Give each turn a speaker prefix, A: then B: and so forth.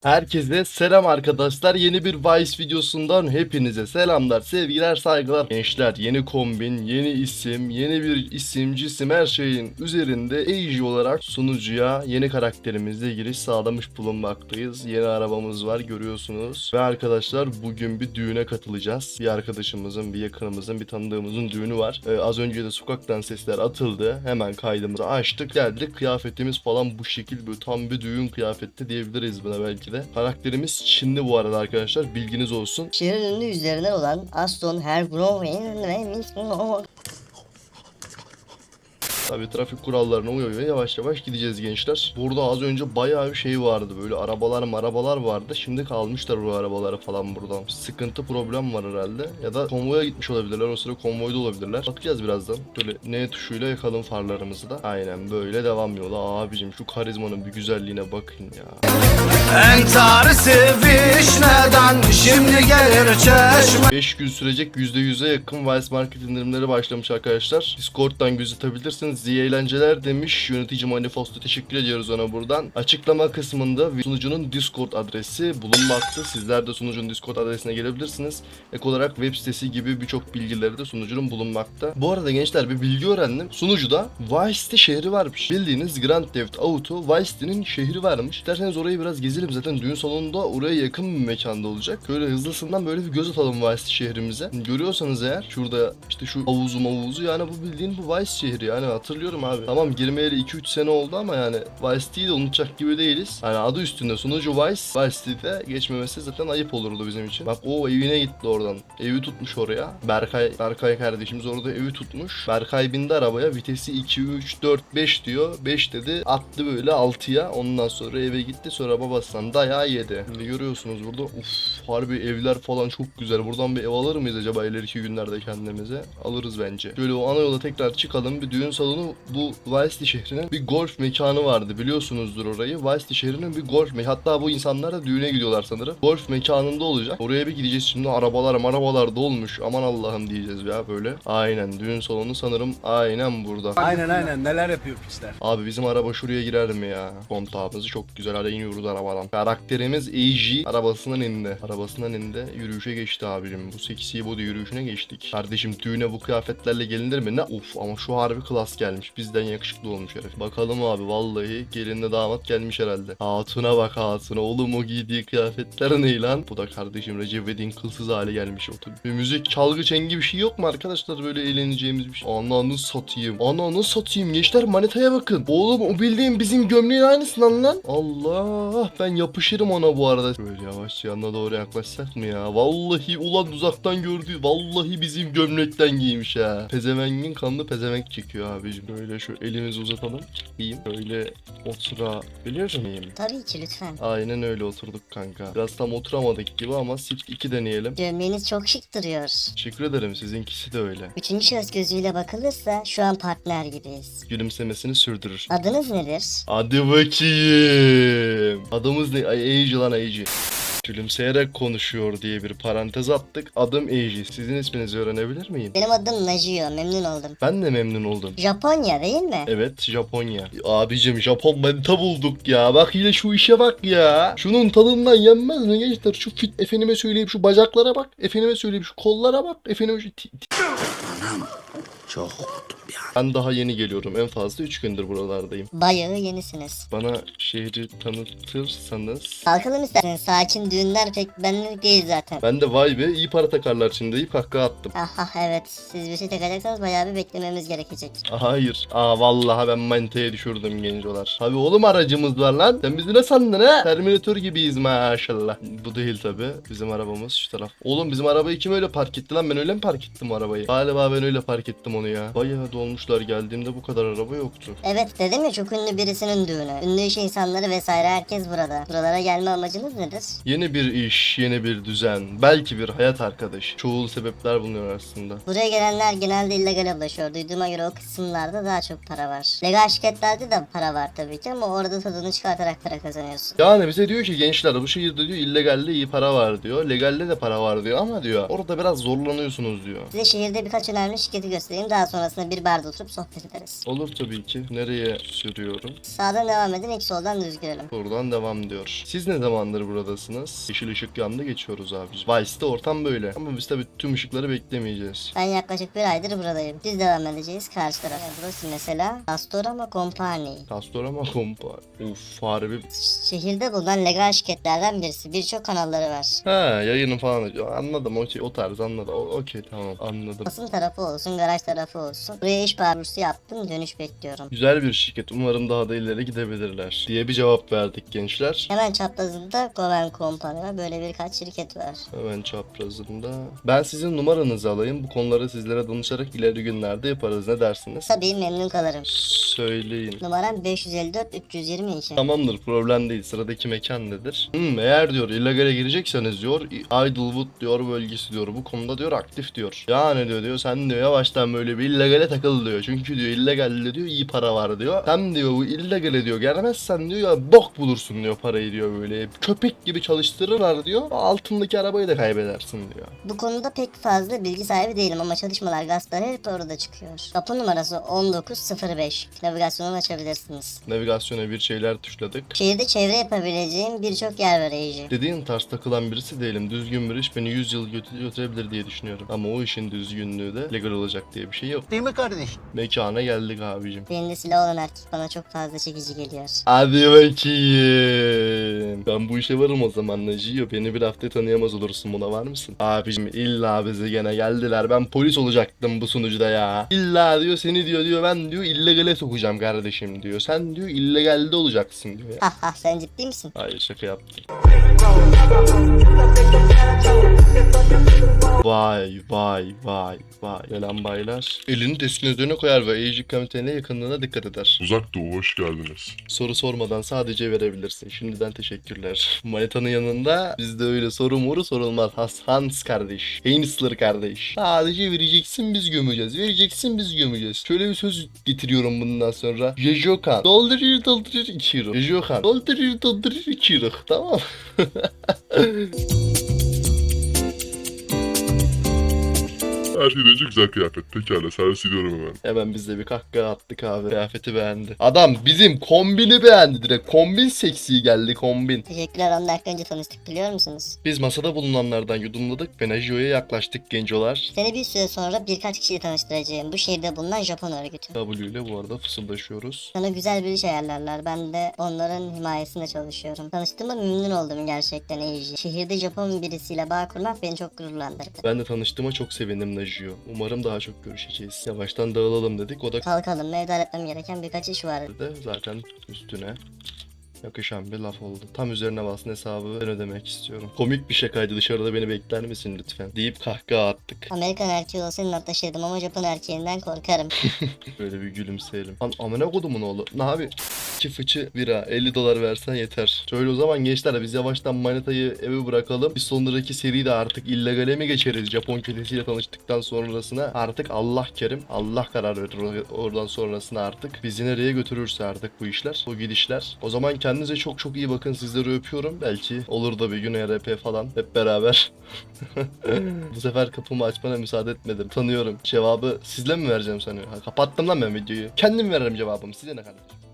A: Herkese selam arkadaşlar. Yeni bir Vice videosundan hepinize selamlar, sevgiler, saygılar. Gençler, yeni kombin, yeni isim, yeni bir isim, cisim, her şeyin üzerinde AJ olarak sunucuya yeni karakterimizle giriş sağlamış bulunmaktayız. Yeni arabamız var, görüyorsunuz. Ve arkadaşlar bugün bir düğüne katılacağız. Bir arkadaşımızın, bir yakınımızın, bir tanıdığımızın düğünü var. Az önce de sokaktan sesler atıldı. Hemen kaydımızı açtık, geldik. Kıyafetimiz falan bu şekil, böyle tam bir düğün kıyafeti diyebiliriz buna belki de. Karakterimiz Çinli bu arada arkadaşlar, bilginiz olsun.
B: Şehrin ünlü yüzlerinden olan Aston Herbrowin ve
A: Tabii trafik kurallarına uya yavaş yavaş gideceğiz gençler. Burada az önce bayağı bir şey vardı, böyle arabalar vardı. Şimdi kalmışlar bu arabaları falan buradan. Sıkıntı, problem var herhalde. Ya da konvoya gitmiş olabilirler, o sıra konvoyda olabilirler. Bakacağız birazdan. Böyle N tuşuyla yakalım farlarımızı da. Aynen böyle devam yola. Abicim şu karizmanın bir güzelliğine bakın ya.
C: Entarı sevişmeden şimdi gelir çeşme.
A: 5 gün sürecek %100'e yakın Vice Market indirimleri başlamış arkadaşlar. Discord'dan gözetebilirsiniz. İyi eğlenceler demiş. Yönetici Manifesto, teşekkür ediyoruz ona buradan. Açıklama kısmında sunucunun Discord adresi bulunmakta. Sizler de sunucunun Discord adresine gelebilirsiniz. Ek olarak web sitesi gibi birçok bilgileri de sunucunun bulunmakta. Bu arada gençler bir bilgi öğrendim. Sunucuda Vice City şehri varmış. Bildiğiniz Grand Theft Auto Vice City'nin şehri varmış. İsterseniz orayı biraz gezelim. Zaten düğün salonunda oraya yakın bir mekanda olacak. Şöyle hızlısından böyle bir göz atalım Vice City şehrimize. Görüyorsanız eğer şurada işte şu havuzu yani bu bildiğin bu Vice şehri, yani hatırlıyorum abi. Tamam, girmeyeli 2-3 sene oldu ama yani Vice City'yi de unutacak gibi değiliz. Yani adı üstünde sunucu Vice City'de geçmemesi zaten ayıp olurdu bizim için. Bak o evine gitti oradan. Evi tutmuş oraya. Berkay kardeşimiz orada evi tutmuş. Berkay bindi arabaya, vitesi 2, 3, 4, 5 diyor. 5 dedi, attı böyle 6'ya. Ondan sonra eve gitti, sonra babasından dayağı yedi. Şimdi görüyorsunuz burada, harbi evler falan çok güzel. Buradan bir ev alır mıyız acaba ileriki günlerde kendimize? Alırız bence. Şöyle o ana yola tekrar çıkalım. Bir düğün salonu, bu Vice City şehrinin bir golf mekanı vardı, biliyorsunuzdur orayı. Vice City şehrinin bir golf mekanı. Hatta bu insanlar da düğüne gidiyorlar sanırım. Golf mekanında olacak. Oraya bir gideceğiz şimdi. Arabalar dolmuş. Aman Allah'ım diyeceğiz ya böyle. Aynen, düğün salonu sanırım aynen burada.
C: Aynen neler yapıyor pisler.
A: Abi bizim araba şuraya girer mi ya? Kontağımızı çok güzel, hadi iniyoruz arabadan. Karakterimiz AJ arabasından indi. Yürüyüşe geçti abicim. Bu seksi body yürüyüşüne geçtik. Kardeşim düğüne bu kıyafetlerle gelinir mi? Ne? Of, ama şu harbi klas gelmiş. Bizden yakışıklı olmuş herif. Bakalım abi, vallahi gelinle damat gelmiş herhalde. Hatuna bak, hatuna. Oğlum o giydiği kıyafetler ne lan? Bu da kardeşim Recep İvedik'in kılsız hali gelmiş otur. Bir müzik, çalgı, çengi bir şey yok mu arkadaşlar, böyle eğleneceğimiz bir şey? Ananı satayım gençler, manitaya bakın. Oğlum o bildiğin bizim gömleğin aynısından lan. Allah, ben yapışırım ona bu arada. Böyle yavaş yanına doğru yaklaşsak mı ya? Vallahi ulan uzaktan gördüğü, vallahi bizim gömlekten giymiş ha. Pezevengin kanlı pezevenk çekiyor abicim. Böyle şu elimizi uzatalım. Çıkayım. Böyle oturabilir miyim?
B: Tabii ki, lütfen.
A: Aynen öyle oturduk kanka. Biraz tam oturamadık gibi ama Sift 2 deneyelim.
B: Gömleğiniz çok şık duruyor.
A: Teşekkür ederim, sizinkisi de öyle.
B: Üçüncü şahıs gözüyle bakılırsa şu an partner gibiyiz.
A: Gülümsemesini sürdürür.
B: Adınız nedir?
A: Hadi bakayım. Adımız ne? Ay, AJ lan, AJ. Gülümseyerek konuşuyor diye bir parantez attık. Adım AJ. Sizin isminizi öğrenebilir miyim?
B: Benim adım Najio, memnun oldum.
A: Ben de memnun oldum.
B: Japonya değil mi?
A: Evet, Japonya. Abicim Japon manita bulduk ya. Bak yine şu işe bak ya. Şunun tadından yenmez mi gençler? Şu fit, efendime söyleyeyim şu bacaklara bak. Efendime söyleyeyim şu kollara bak. Efendime şu
C: Çok korktum ya.
A: Ben daha yeni geliyorum. En fazla 3 gündür buralardayım.
B: Bayağı yenisiniz.
A: Bana şehri tanıtırsanız.
B: Kalkalım isterseniz, sakin düğünler pek benlik değil zaten.
A: Ben de vay be iyi para takarlar şimdi deyip kahkaha attım.
B: Aha evet, siz bir şey takacaksanız bayağı bir beklememiz gerekecek.
A: Hayır. Vallahi ben manitaya düşürdüm gencolar. Tabi oğlum, aracımız var lan. Sen bizi ne sandın ha? Terminator gibiyiz maşallah. Bu değil tabi. Bizim arabamız şu taraf. Oğlum bizim arabayı kim öyle park etti lan? Ben öyle mi park ettim arabayı? Galiba ben öyle park ettim onu ya. Bayağı dolmuşlar, geldiğimde bu kadar araba yoktu.
B: Evet, dedim ya, çok ünlü birisinin düğünü. Ünlü iş insanları vesaire herkes burada. Buralara gelme amacınız nedir?
A: Yeni bir iş, yeni bir düzen. Belki bir hayat arkadaşı. Çoğul sebepler bulunuyor aslında.
B: Buraya gelenler genelde illegal ulaşıyor. Duyduğuma göre o kısımlarda daha çok para var. Legal şirketlerde de para var tabii ki ama orada tadını çıkartarak para kazanıyorsun.
A: Yani bize diyor ki gençler, bu şehirde diyor illegalde iyi para var diyor. Legalde de para var diyor ama diyor orada biraz zorlanıyorsunuz diyor.
B: Size şehirde birkaç önemli şirketi göstereyim. Daha sonrasında bir barda oturup sohbet ederiz.
A: Olur tabii ki. Nereye sürüyorum?
B: Sağdan devam edin, ilk soldan düz girelim.
A: Buradan devam diyor. Siz ne zamandır buradasınız? Yeşil ışık yandı, geçiyoruz abi. Vice'de ortam böyle. Ama biz tabii tüm ışıkları beklemeyeceğiz.
B: Ben yaklaşık bir aydır buradayım. Düz devam edeceğiz karşı tarafa. Burası mesela Castorama Company.
A: Castorama kompa. Uf, harbi.
B: Şehirde bulunan legal şirketlerden birisi. Birçok kanalları var.
A: Ha, yayını falan. Anladım, okey, o tarz anladım. Okey, tamam, anladım.
B: Basın tarafı olsun, garaj tarafı olsun. Buraya iş başvurusu yaptım, dönüş bekliyorum.
A: Güzel bir şirket. Umarım daha da ileri gidebilirler diye bir cevap verdik gençler.
B: Hemen çaprazında Goven Company var. Böyle birkaç şirket var.
A: Hemen çaprazında. Ben sizin numaranızı alayım. Bu konuları sizlere danışarak ileri günlerde yaparız. Ne dersiniz?
B: Tabii memnun kalırım.
A: Söyleyin.
B: Numaram 554 322.
A: Tamamdır, problem değil. Sıradaki mekan nedir? Eğer diyor illegale girecekseniz diyor Idlewood diyor bölgesi diyor. Bu konuda diyor aktif diyor. Yani diyor sen diyor yavaştan böyle bir illegale takıl diyor. Çünkü diyor illegalle diyor iyi para var diyor. Sen diyor bu illegale diyor gelmezsen diyor ya bok bulursun diyor parayı diyor böyle. Köpek gibi çalıştırırlar diyor. Altındaki arabayı da kaybedersin diyor.
B: Bu konuda pek fazla bilgi sahibi değilim ama çalışmalar, gazetler hep orada çıkıyor. Kapı numarası 1905. Navigasyonu açabilirsiniz.
A: Navigasyona bir şeyler tuşladık.
B: Şehirde çevre yapabileceğim birçok yer var Eiji.
A: Dediğin tarz takılan birisi değilim. Düzgün bir iş beni 100 yıl götürebilir diye düşünüyorum. Ama o işin düzgünlüğü de legal olacak diye bir şey yok.
C: Değil mi kardeş?
A: Mekana geldik abicim.
B: Elinde silah olan erkek bana çok fazla çekici geliyor.
A: Hadi bakayım. Ben bu işe varım o zaman Naciyo. Beni bir hafta tanıyamaz olursun, buna var mısın? Abicim illa bize gene geldiler. Ben polis olacaktım bu sunucuda ya. İlla diyor seni diyor ben diyor illegale sokacağım kardeşim diyor. Sen diyor illegalde olacaksın diyor ya.
B: Haha sen ciddi misin?
A: Hayır, şaka yaptım. Vay vay vay vay. Gelen baylar. Elini deskin üzerine koyar ve Eiji Kamiten'e yakınlığına dikkat eder.
D: Uzak Doğu hoş geldiniz.
A: Soru sormadan sadece verebilirsin. Şimdiden teşekkürler. Manitanın yanında bizde öyle soru moru sorulmaz. Hans kardeş. Heinzler kardeş. Sadece vereceksin biz gömeceğiz. Vereceksin biz gömeceğiz. Şöyle bir söz getiriyorum bundan sonra. Jejokan. Doldurur 2 euro. Jejokan. Doldurur 2 euro. Tamam.
D: Her şeyden önce güzel kıyafet. Pekala servis ediyorum hemen.
A: Hemen biz de bir kahkaha attık abi. Kıyafeti beğendi. Adam bizim kombini beğendi direkt. Kombin seksi geldi, kombin.
B: Teşekkürler, 10 dakika önce tanıştık biliyor musunuz?
A: Biz masada bulunanlardan yudumladık ve Najio'ya yaklaştık gencolar.
B: Seni bir süre sonra birkaç kişiyle tanıştıracağım. Bu şehirde bulunan Japon örgütü.
A: W ile bu arada fısıldaşıyoruz.
B: Sana güzel bir iş ayarlarlar. Ben de onların himayesinde çalışıyorum. Tanıştığıma memnun oldum gerçekten Eiji. Şehirde Japon birisiyle bağ kurmak beni çok gururlandırdı.
A: Ben de tanıştığıma çok sevindim Najio. Umarım daha çok görüşeceğiz. Yavaştan dağılalım dedik. O da
B: Kalkalım, evde halletmem gereken birkaç iş var.
A: zaten üstüne yakışan bir laf oldu. Tam üzerine basın hesabı ben ödemek istiyorum. Komik bir şakaydı, dışarıda beni bekler misin lütfen deyip kahkaha attık.
B: Amerikan erkeği olsaydım atlaşırdım ama Japon erkeğinden korkarım.
A: Böyle bir gülümseyelim. Lan amına kodumun oğlu. Ne abi? 2 fıçı bira 50 dolar versen yeter. Şöyle o zaman gençler biz yavaştan manitayı eve bırakalım. Bir sonraki seride artık illegale mi geçeriz? Japon kötesiyle tanıştıktan sonrasına artık Allah kerim. Allah karar verir oradan sonrasına artık. Bizi nereye götürürse artık bu işler. Bu gidişler. O zaman kendinize çok çok iyi bakın. Sizleri öpüyorum. Belki olur da bir gün RP falan hep beraber. Bu sefer kapımı açmana müsaade etmedim. Tanıyorum. Cevabı sizle mi vereceğim sanıyor? Kapattım lan ben videoyu. Kendim veririm cevabımı. Size ne kardeşim?